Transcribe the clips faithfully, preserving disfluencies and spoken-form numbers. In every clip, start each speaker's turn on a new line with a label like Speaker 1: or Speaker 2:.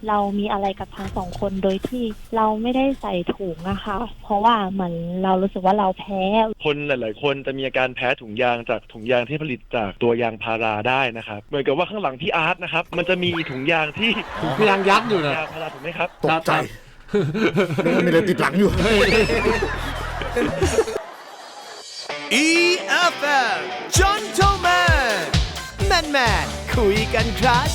Speaker 1: เรามีอะไรกับทั้งสองคนโดยที่เราไม่ได้ใส่ถุงอะค่ะเพราะว่าเหมือนเรารู้สึกว่าเราแพ้
Speaker 2: คนหลายๆคนจะมีอาการแพ้ถุงยางจากถุงยางที่ผลิตจากตัวยางพาราได้นะครับเหมือนกับว่าข้างหลังพี่อาร์ตนะครับมันจะมีถุงยางที่
Speaker 3: ถุงยางยักษ์อยู่นะ
Speaker 2: ยางพาราถูกไหมครับ
Speaker 4: ตกใจมีอะไรติดหลังอยู่
Speaker 5: อี เอฟ เอ็ม Gentleman Man Man คุยกันครับ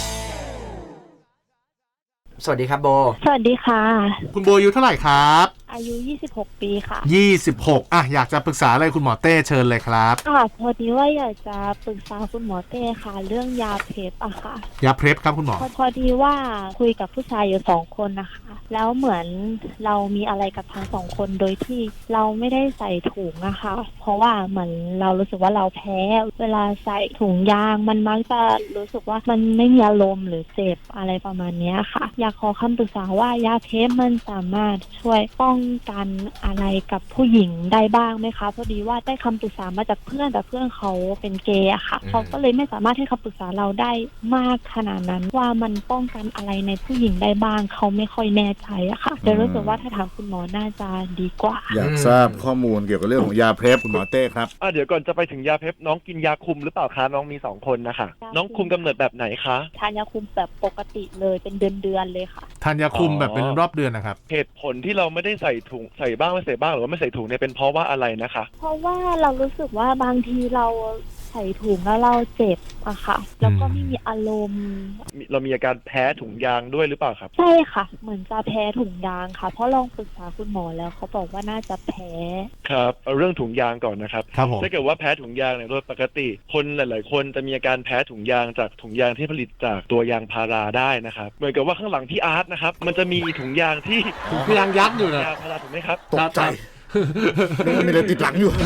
Speaker 6: สวัสดีครับโบ
Speaker 1: สวัสดีค่ะ
Speaker 3: คุณโบอายุเท่าไหร่ครับ
Speaker 1: อายุยี่สิบหกปีค่ะ
Speaker 3: ยี่สิบหกอ่ะอยากจะปรึกษาอะไรคุณหมอเต้เชิญเลยครับ
Speaker 1: ค่ะพอดีว่าอยากจะปรึกษาคุณหมอเต้ค่ะเรื่องยาเพล็บอะค่ะ
Speaker 3: ยาเพล็บครับคุณหมอ
Speaker 1: พอดีว่าคุยกับผู้ชายอยู่สองคนนะคะแล้วเหมือนเรามีอะไรกับทั้งสองคนโดยที่เราไม่ได้ใส่ถุงอะค่ะเพราะว่าเหมือนเรารู้สึกว่าเราแพ้เวลาใส่ถุงยางมันมักจะรู้สึกว่ามันไม่มีอารมณ์หรือเจ็บอะไรประมาณนี้ค่ะอยากขอคำปรึกษาว่ายาเพล็บมันสามารถช่วยป้องกันอะไรกับผู้หญิงได้บ้างไหมคะพอดีว่าได้คำปรึกษามาจากเพื่อนแต่เพื่อนเขาเป็นเกย์อะค่ะเขาก็เลยไม่สามารถให้คำปรึกษาเราได้มากขนาดนั้นว่ามันป้องกันอะไรในผู้หญิงได้บ้างเขาไม่ค่อยแน่ใจอะค่ะเดี๋ยวรู้สึกว่าถ้าถามคุณหมอน่าจะดีกว่า
Speaker 4: อยากทราบข้อมูลเกี่ยวกับเรื่องของยาเพล็บคุณหมอเต้ครับ
Speaker 2: อ่ะเดี๋ยวก่อนจะไปถึงยาเพล็บน้องกินยาคุมหรือเปล่าคะน้องมีสองคนนะคะน้องคุมกำเนิดแบบไหนคะ
Speaker 1: ทานยาคุมแบบปกติเลยเป็นเดือนๆเลยค่ะ
Speaker 3: ทานยาคุมแบบเป็นรอบเดือนนะครับ
Speaker 2: เหตุผลที่เราไม่ได้ใส่ถุงใส่บ้างไม่ใส่บ้างหรือว่าไม่ใส่ถุงเนี่ยเป็นเพราะว่าอะไรนะคะ
Speaker 1: เพราะว่าเรารู้สึกว่าบางทีเราใส่ถุงแล้วเราเจ็บอะค่ะแล้วก็ไม่มีอารมณ์
Speaker 2: เรามีอาการแพ้ถุงยางด้วยหรือเปล่าครับ
Speaker 1: ใช่ค่ะเหมือนจะแพ้ถุงยางค่ะเพราะลองปรึกษาคุณหมอแล้วเขาบอกว่าน่าจะแพ้
Speaker 2: ครับเอาเรื่องถุงยางก่อนนะครับ
Speaker 3: ครับผม
Speaker 2: ถ้าเกิดว่าแพ้ถุงยางเนี่ยโดยปกติคนหลายๆคนจะมีอาการแพ้ถุงยางจากถุงยางที่ผลิตจากตัวยางพาราได้นะครับเหมือนกับว่าข้างหลังพี่อาร์ตนะครับมันจะมีถุงยางที่
Speaker 3: ถุงยางยักษ์อยู่นะ
Speaker 2: ยางพาราถูกไหมครับ
Speaker 4: ตกใจมีอะไรติดหลังอยู่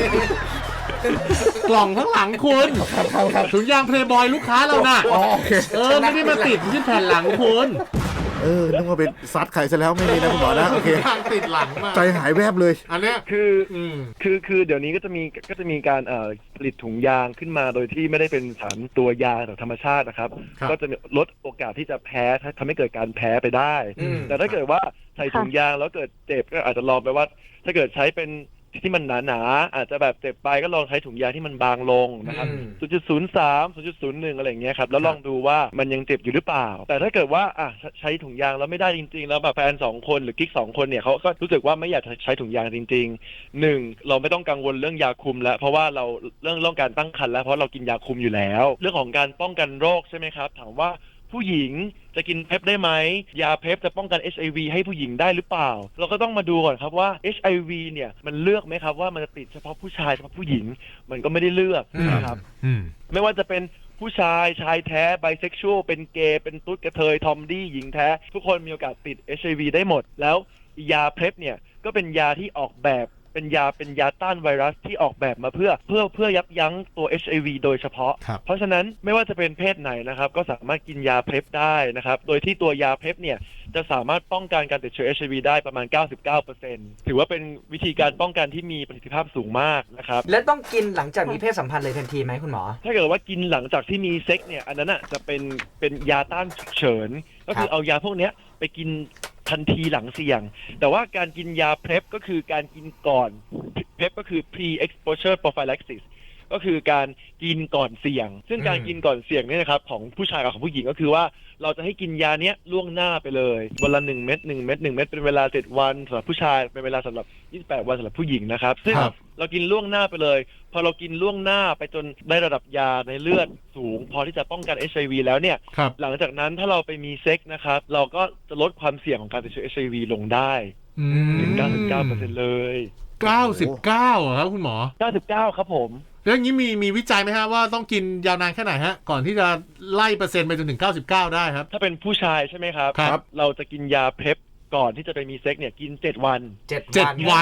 Speaker 3: กล่องข้างหลังคุณถุงยางเพลย์บอยลูกค้าเราน่ะเออไม่ได้มาติดที่แผ่นหลังคุณ
Speaker 4: เออนึกว่าเป็นซัดไข่ซะแล้วไม่มีนะคุณหมอนะโอเค
Speaker 3: ทางติดหลังมา
Speaker 4: ใจหายแวบเลย
Speaker 3: อันเนี้ย
Speaker 2: คือคือคือเดี๋ยวนี้ก็จะมีก็จะมีการเอ่อผลิตถุงยางขึ้นมาโดยที่ไม่ได้เป็นสารตัวยางจากธรรมชาตินะครับก็จะลดโอกาสที่จะแพ้ทำให้เกิดการแพ้ไปได้แต่ถ้าเกิดว่าใส่ถุงยางแล้วเกิดเจ็บก็อาจจะลองไปว่าถ้าเกิดใช้เป็นที่มันหนาๆอาจจะแบบเจ็บไปก็ลองใช้ถุงยางที่มันบางลงนะครับ ศูนย์จุดศูนย์สาม ศูนย์จุดศูนย์หนึ่ง อะไรอย่างเงี้ยครับแล้วลองดูว่ามันยังเจ็บอยู่หรือเปล่าแต่ถ้าเกิดว่าอ่ะใช้ถุงยางแล้วไม่ได้จริงๆแล้วแบบแฟนสองคนหรือกิ๊กสองคนเนี่ยเขาก็รู้สึกว่าไม่อยากใช้ถุงยางจริงๆหนึ่งเราไม่ต้องกังวลเรื่องยาคุมแล้วเพราะว่าเราเรื่องเรื่องการตั้งครรภ์แล้วเพราะเรากินยาคุมอยู่แล้วเรื่องของการป้องกันโรคใช่ไหมครับถามว่าผู้หญิงจะกินเพล็บได้ไหมยาเพล็บจะป้องกัน เอช ไอ วี ให้ผู้หญิงได้หรือเปล่าเราก็ต้องมาดูก่อนครับว่า เอช ไอ วี เนี่ยมันเลือกไหมครับว่ามันจะติดเฉพาะผู้ชายเฉพาะผู้หญิงมันก็ไม่ได้เลือกนะครับไม่ว่าจะเป็นผู้ชายชายแท้ไบเซ็กชวลเป็นเกย์เป็นตุ๊ดกระเทยทอมดี้หญิงแท้ทุกคนมีโอกาสติด เอช ไอ วี ได้หมดแล้วยาเพล็บเนี่ยก็เป็นยาที่ออกแบบเป็นยาเป็นยาต้านไวรัสที่ออกแบบมาเพื่อเพื่อเพื่อยับยั้งตัว เอช ไอ วี โดยเฉพาะเพราะฉะนั้นไม่ว่าจะเป็นเพศไหนนะครับก็สามารถกินยาเพล็บได้นะครับโดยที่ตัวยาเพล็บเนี่ยจะสามารถป้องกันการติดเชื้อ เอช ไอ วี ได้ประมาณ เก้าสิบเก้าเปอร์เซ็นต์ ถือว่าเป็นวิธีการป้องกันที่มีประสิทธิภาพสูงมากนะครับ
Speaker 6: และต้องกินหลังจากมีเพศสัมพันธ์เลยทันทีไหมคุณหมอ
Speaker 2: ถ้าเกิดว่ากินหลังจากที่มีเซ็กเนี่ยอันนั้นอ่ะจะเป็นเป็นยาต้านฉุกเฉินก็คือเอายาพวกนี้ไปกินทันทีหลังเสี่ยงแต่ว่าการกินยาเพล็บก็คือการกินก่อนเพล็บก็คือ pre exposure prophylaxis ก็คือการกินก่อนเสี่ยงซึ่งการกินก่อนเสี่ยงเนี่ยนะครับของผู้ชายกับของผู้หญิงก็คือว่าเราจะให้กินยาเนี้ยล่วงหน้าไปเลยวันละหนึ่งเม็ดหนึ่งเม็ดหนึ่งเม็ดเป็นเวลาเจ็ดวันสำหรับผู้ชายเป็นเวลาสำหรับยี่สิบแปดวันสำหรับผู้หญิงนะครับซึ่งเรากินล่วงหน้าไปเลยพอเรากินล่วงหน้าไปจนได้ระดับยาในเลือดสูงพอที่จะป้องกัน เอช ไอ วี แล้วเนี่ยหลังจากนั้นถ้าเราไปมีเซ็กนะครับเราก็จะลดความเสี่ยงของการติดเชื้อ เอช ไอ วี ลงได้ถึง เก้าสิบเก้าเปอร์เซ็นต์ เลย
Speaker 3: เก้าสิบเก้าเหรอครับคุณหมอ
Speaker 2: เก้าสิบเก้าครับผม
Speaker 3: แล้วอย่างนี้มีมีวิจัยไหมฮะว่าต้องกินยาวนานแค่ไหนฮะก่อนที่จะไล่เปอร์เซ็นต์ไปจนถึงเก้าสิบเก้าได้ครับ
Speaker 2: ถ้าเป็นผู้ชายใช่ไหมครับ
Speaker 3: ครับ
Speaker 2: เราจะกินยาเพล็บก่อนที่จะไปมีเซ็กเนี่ยกินเจ็ดวัน
Speaker 3: เจ็ดวัน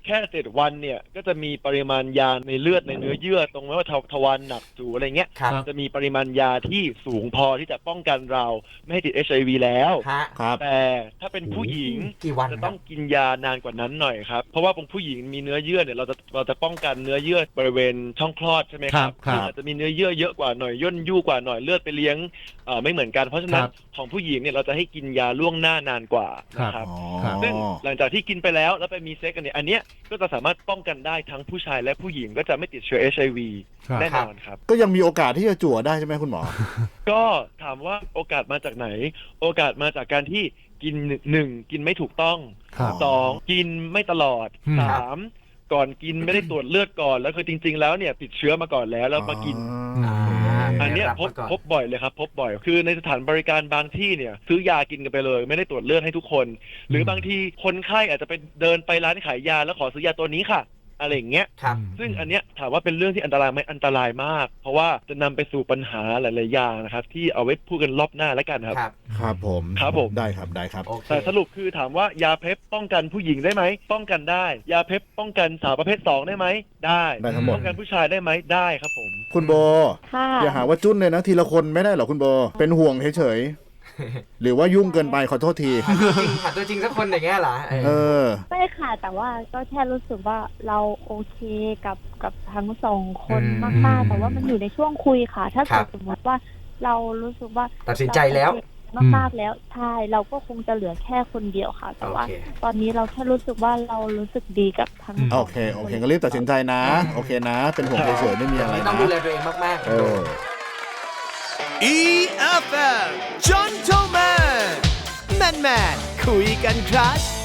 Speaker 2: แค่เจ็ดวันเนี่ยก็จะมีปริมาณยาในเลือดในเนื้อเยื่อตรงไม่ว่าทวารหนักจูอะไรเงี้ย
Speaker 6: ครับ
Speaker 2: จะมีปริมาณยาที่สูงพอที่จะป้องกันเราไม่ให้ติด เอช ไอ วี แล้ว
Speaker 6: ฮะ
Speaker 4: ครับ
Speaker 2: แต่ถ้าเป็นผู้หญิง
Speaker 6: กี่วัน
Speaker 2: จะต้องกินยานานกว่านั้นหน่อยครับเพราะว่าเป็นผู้หญิงมีเนื้อเยื่อเนี่ยเราจะเราจะป้องกันเนื้อเยื่อบริเวณช่องคลอดใช่ไหมครับ
Speaker 3: ครับ
Speaker 2: อาจจะมีเนื้อเยื่อเยอะกว่าหน่อยย่นยู่กว่าหน่อยเลือดไปเลี้ยงเอ่อไม่เหมือนกันเพราะฉะนั้น
Speaker 3: ครับ
Speaker 2: ของผู้หญิงเนี่ยเราจะให้กินยาล่วงหน้านานกว่านะครับ
Speaker 4: อ๋อ
Speaker 3: ครับ
Speaker 2: ซึ่งหลังจากที่กินไปแล้วแล้วไปมีเซ็กกันเนี่ยอันเนี้ยก็จะสามารถป้องกันได้ทั้งผู้ชายและผู้หญิงก็จะไม่ติดเชื้อ เอช ไอ วี
Speaker 3: ครับ
Speaker 2: แน่นอนครับ
Speaker 4: ก็ยังมีโอกาสที่จะจั่วได้ใช่ไหมคุณหมอ
Speaker 2: ก็ถามว่าโอกาสมาจากไหน โอกาสมาจากการที่กินหนึ่งกินไม่ถูกต้อง
Speaker 3: ครับ
Speaker 2: สองกินไม่ตลอด
Speaker 3: อืม
Speaker 2: สามก่อนกินไม่ได้ตรวจเลือดก่อนแล้วคือจริง ๆ แล้วเนี่ยติดเชื้อมาก่อนแล้วแล้วมากิน
Speaker 6: อ่า
Speaker 2: อันเนี้ย
Speaker 6: รับ
Speaker 2: พบ
Speaker 6: มาก่อน
Speaker 2: พบบ่อยเลยครับพบบ่อยคือในสถานบริการบางที่เนี่ยซื้อยากินกันไปเลย ไม่ได้ตรวจเลือดให้ทุกคน หรือบางทีคนไข้อาจจะไปเดินไปร้านขายยาแล้วขอซื้อยาตัวนี้ค่ะ อะไรอย่างเงี้ย
Speaker 6: ครับ
Speaker 2: ซึ่งอันเนี้ยถามว่าเป็นเรื่องที่อันตรายไหมอันตรายมาก เพราะว่าจะนำไปสู่ปัญหาหลายๆอย่างนะครับที่เอาไว้พูดกันรอบหน้าแล้วกันครับ
Speaker 6: ครับ
Speaker 4: ครับผม
Speaker 2: ครับผม
Speaker 4: ได้ครับได้ครับ
Speaker 6: โอเค
Speaker 2: แต่สรุปคือถามว่ายาเพปป้องกันผู้หญิงได้ไหมป้องกันได้ ยาเพปป้องกันสาวประเภทสองได้ไหมได้
Speaker 4: ได้ทั้งหมด
Speaker 2: ป้องกันผู้ชายได้ไหมได้ครับผม
Speaker 4: คุณโบ
Speaker 1: ค่ะ
Speaker 4: อย่าหาว่าจุ้นเลยนะทีละคนไม่ได้หรอคุณโบ เป็นห่วงเฉยๆ หรือว่ายุ่งเกินไปขอโทษที
Speaker 6: หาตัวจริงหาตัวจริงสักคนอย่างเงี้ยเหรอเออ
Speaker 4: เออ
Speaker 1: ไม่ค่ะ แต่ว่าก็แค่รู้สึกว่าเราโอเคกับกับทั้งสองคน
Speaker 6: อืม
Speaker 1: มากๆ แต่ว่ามันอยู่ในช่วงคุยค่ะ ถ้า
Speaker 6: ครั
Speaker 1: เกิ
Speaker 6: บ
Speaker 1: ดสมมติว่าเรารู้สึกว่า
Speaker 6: ตัดสินใจแล้ว
Speaker 1: เราโอเคมากๆแล้วใช่เราก็คงจะเหลือแค่คนเดียวค่ะ แต่ว่า
Speaker 6: โอเค
Speaker 1: ตอนนี้เราแค่รู้สึกว่าเรารู้สึกดีกับทั้งส
Speaker 4: โอ
Speaker 1: อง
Speaker 4: เค โอเคก็รีบตัดสินใจนะ โอเคนะ เป็นห่วงเฉยๆไม่มีอะไร
Speaker 6: ต้อง
Speaker 4: นะ
Speaker 6: ดูแลตัวเองมากๆ
Speaker 4: เออ
Speaker 5: อี เอฟ เอ็ม Gentleman Man Man คุยกันครับ